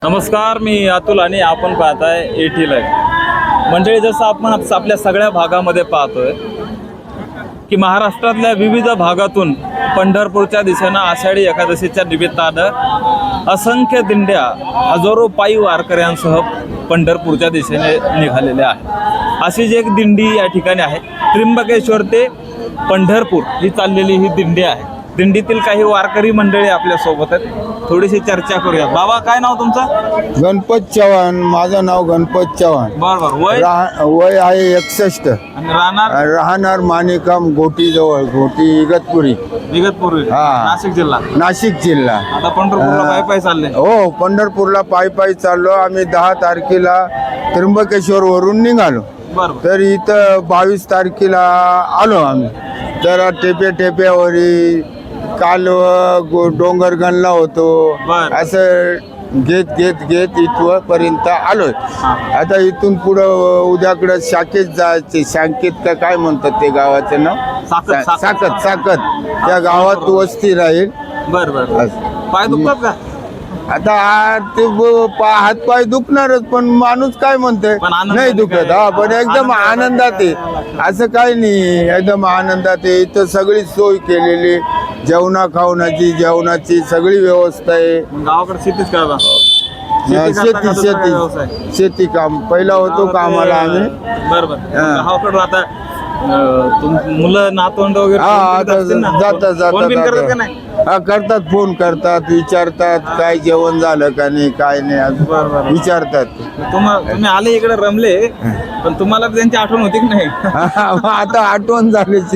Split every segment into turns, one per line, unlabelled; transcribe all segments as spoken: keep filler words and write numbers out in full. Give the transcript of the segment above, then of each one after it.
नमस्कार, मी अतुल आणि आपण पाहताय एटी लाईव्ह. मंडळी, जसं आपण आपल्या सगळ्या भागामध्ये पाहतोय की महाराष्ट्रातल्या विविध भागातून पंढरपूरच्या दिशेनं आषाढी एकादशीच्या निमित्तानं असंख्य दिंड्या हजारो पायी वारकऱ्यांसह पंढरपूरच्या दिशेने निघालेल्या आहेत. अशीच एक दिंडी या ठिकाणी आहे. त्र्यंबकेश्वर ते पंढरपूर ही चाललेली ही दिंडी आहे. दिंडीतील काही वारकरी मंडळी आपल्या सोबत आहेत. थोडीशी चर्चा करूया. बाबा, काय नाव तुमचं?
गणपत चव्हाण. माझं नाव गणपत चव्हाण.
बरोबर. वय
राह- वय आहे एकसष्ट.
आणि राहणार
राहणार माणिकाम घोटी जवळ, घोटी इगतपुरी,
इगतपुरी,
हा.
नाशिक जिल्हा.
नाशिक जिल्हा.
आता पंढरपूरला पाय पाय चालले.
हो, पंढरपूरला पायी पायी चाललो आम्ही. दहा तारखेला त्र्यंबकेश्वर वरून निघालो.
बरोबर.
तर इथं बावीस तारखेला आलो आम्ही. जरा टेप्या टेप्यावरी काल गो- डोंगर गणला होतो.
बर.
असं घेत घेत घेत इथपर्यंत आलोय. आता इथून पुढं उद्याकडं शाखेत जायचे. शाखेत का काय म्हणतात ते गावाचं नाव?
साकत,
सा-
साकत.
साकत साकत त्या गावात वस्ती राहील.
बर बर.
असं.
पाय दुखतात का?
आता आ- ते ब- पा- हातपाय दुखणारच, पण माणूस काय म्हणतोय
पण आनंदाने
नाही दुखत.
काय?
हा, पण एकदम
आनंदाने
आनंदात आहे. असं काही नाही, एकदम आनंदात आहे. इथं सगळी सोय केलेली, जेवणा खावण्याची जेवणाची सगळी व्यवस्था आहे.
गावाकडे शेतीच करता?
शेती शेती शेती काम पहिला होतो कामाला आम्ही.
बरोबर.
हा.
गावाकडे आता अं, तुम मुलं नातवंड वगैरे
हा,
फोन
आता
करीत असतील ना?
जातात
फोन बिन करतात का
जातात
नाही?
हा, करतात. फोन करतात, विचारतात काय जेवण झालं का नाही, काय नाही असं
बरं, बरं.
विचारतात.
तुम्हा तुम्ही आले इकडे रमले, पण तुम्हाला त्यांची आठवण होती की नाही?
आता आठवण झालीच.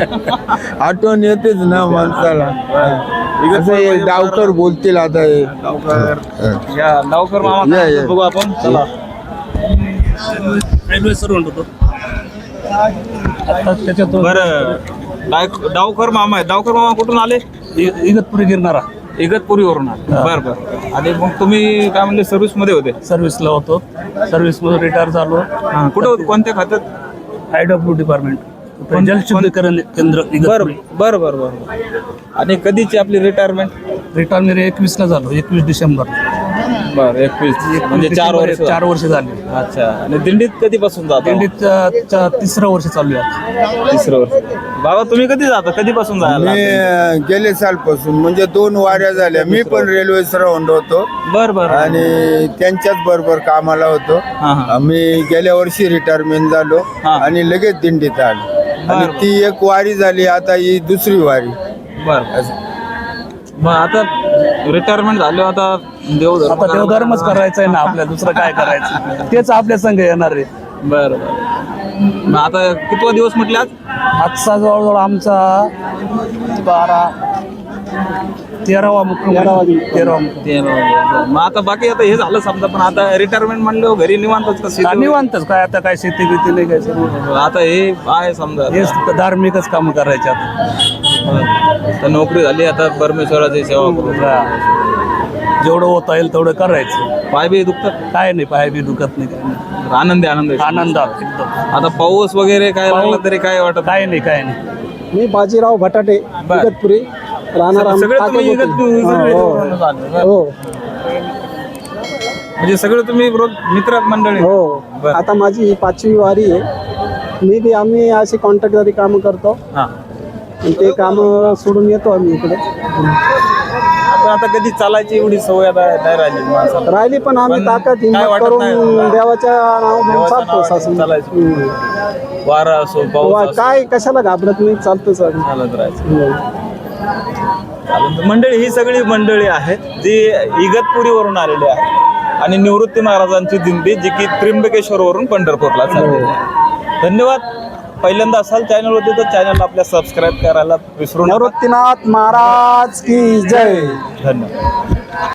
आठवण येतेच ना माणसाला. असं हे डावकर बोलतील आता हे.
डावकर या डावकर मामा
या,
काय
या.
बघू आपण. चला.
रेल्वे सर म्हणतो आता त्याच्यातून
बरं, डाव- डावकर मामा आहे. डावकर मामा कुठून आले?
इ- इगतपुरी गिरणारा
इगतपुरीवरून आले. बरं बरं. आणि मग तुम्ही काय म्हणले, सर्व्हिस मध्ये होते?
सर्व्हिसला होतो. सर्व्हिसमधून रिटायर झालो.
हा, कुठे होते? कोणत्या खात्यात?
आय डब्ल्यू डिपार्टमेंट,
कोण-
जलशुद्धीकरण केंद्र
बरं
इगतपुरी.
बरं बरं बरं. आणि कधीची आपली रिटायरमेंट?
रिटायर मेरे एकवीसला झालो, एकवीस डिसेंबर.
बरं, एकवीस म्हणजे चार वर्ष.
चार वर्ष झाली.
अच्छा. आणि दिंडीत कधीपासून जाता?
दिंडीत च- तिसरं वर्ष चालू आहे.
तिसरं वर्ष. बाबा, तुम्ही कधी जाता? कधीपासून जायला?
मी अं, गेले सालपासून म्हणजे दोन वाऱ्या झाल्या. मी पण रेल्वे सरवंड होतो
बरं बरं.
आणि त्यांच्याच बरोबर कामाला होतो.
हा, हा.
मी गेल्या वर्षी रिटायरमेंट झालो
हा.
आणि लगेच दिंडीत आलो. आणि
बरं.
ती एक वारी झाली, आता ही दुसरी वारी.
बरं.
असं.
मग आता रिटायरमेंट झाले, आता देवधर्म
आता देवधर्मच करायचा आहे ना आपल्या, दुसरं काय करायचं? तेच आपल्या संघ येणार आहे.
बरं बरं. मग आता कितवा दिवस म्हटले आज?
आजचा जवळजवळ आमचा बारा तेरावा मुक्काम तेरावा मुक्काम.
ते मग आता बाकी आता हे झालं समजा, पण आता रिटायरमेंट म्हणलं घरी निवांतच कसं?
का निवांतच काय, आता काय शेती बिती नाही काय सर्व.
आता हे आहे समजा,
हेच धार्मिकच काम करायचे आता.
तर नोकरी झाली, आता परमेश्वराची सेवा करू.
जेवढं होता येईल तेवढं करायचं.
पाय बी दुखतात?
काय नाही, पाय बी दुखत नाही, काय नाही.
आनंदी आनंद आहे.
आनंदात एकदम.
आता पाऊस वगैरे काय लागला तरी काय वाटत?
काय नाही, काय नाही.
मी बाजीराव भटाटे,
बर.
इगतपुरी राहणार. आम-
सगळे तुम्ही
काटेकोटी.
इगतपुरी-
हो,
इगतपुरीवरूनच आले. बरं.
हो
म्हणजे सगळे तुम्ही रोज मित्र मंडळी?
हो.
बर.
आता माझी ही पाचवी वारी आहे. मी बी आम्ही असे कॉन्ट्रॅक्टदारी काम करतो
हा.
आणि ते काम सोडून येतो आम्ही इकडे.
आता आता कधी चालायची एवढी सवय आता नाही राहिली माणसाला.
राहिली पण आम्ही
पण
ताकद
काय
हिंमत
वाटत
करून
नाही.
देवाच्या नाव घेऊन
देवाच्या
चालतो
नावाने
सासून.
चालायचं.
हम्म.
वारा असो, पाऊस
वा-
असो,
काय कशाला घाबरत नाही, चालतोच आम्ही.
चालत राहायचं.
हम्म.
चालेल. तर मंडळी, ही सगळी मंडळी आहेत जी इगतपुरीवरून आलेली आहे आणि निवृत्ती महाराजांची दिंडी जी की त्र्यंबकेश्वरवरून पंढरपूरला चाललेली आहे. धन्यवाद. पहिल्यांदा असाल चॅनलवरती तर चॅनलला आपल्या सबस्क्राईब करायला विसरू नका.
निवृत्तीनाथ महाराज की जय.
धन्यवाद.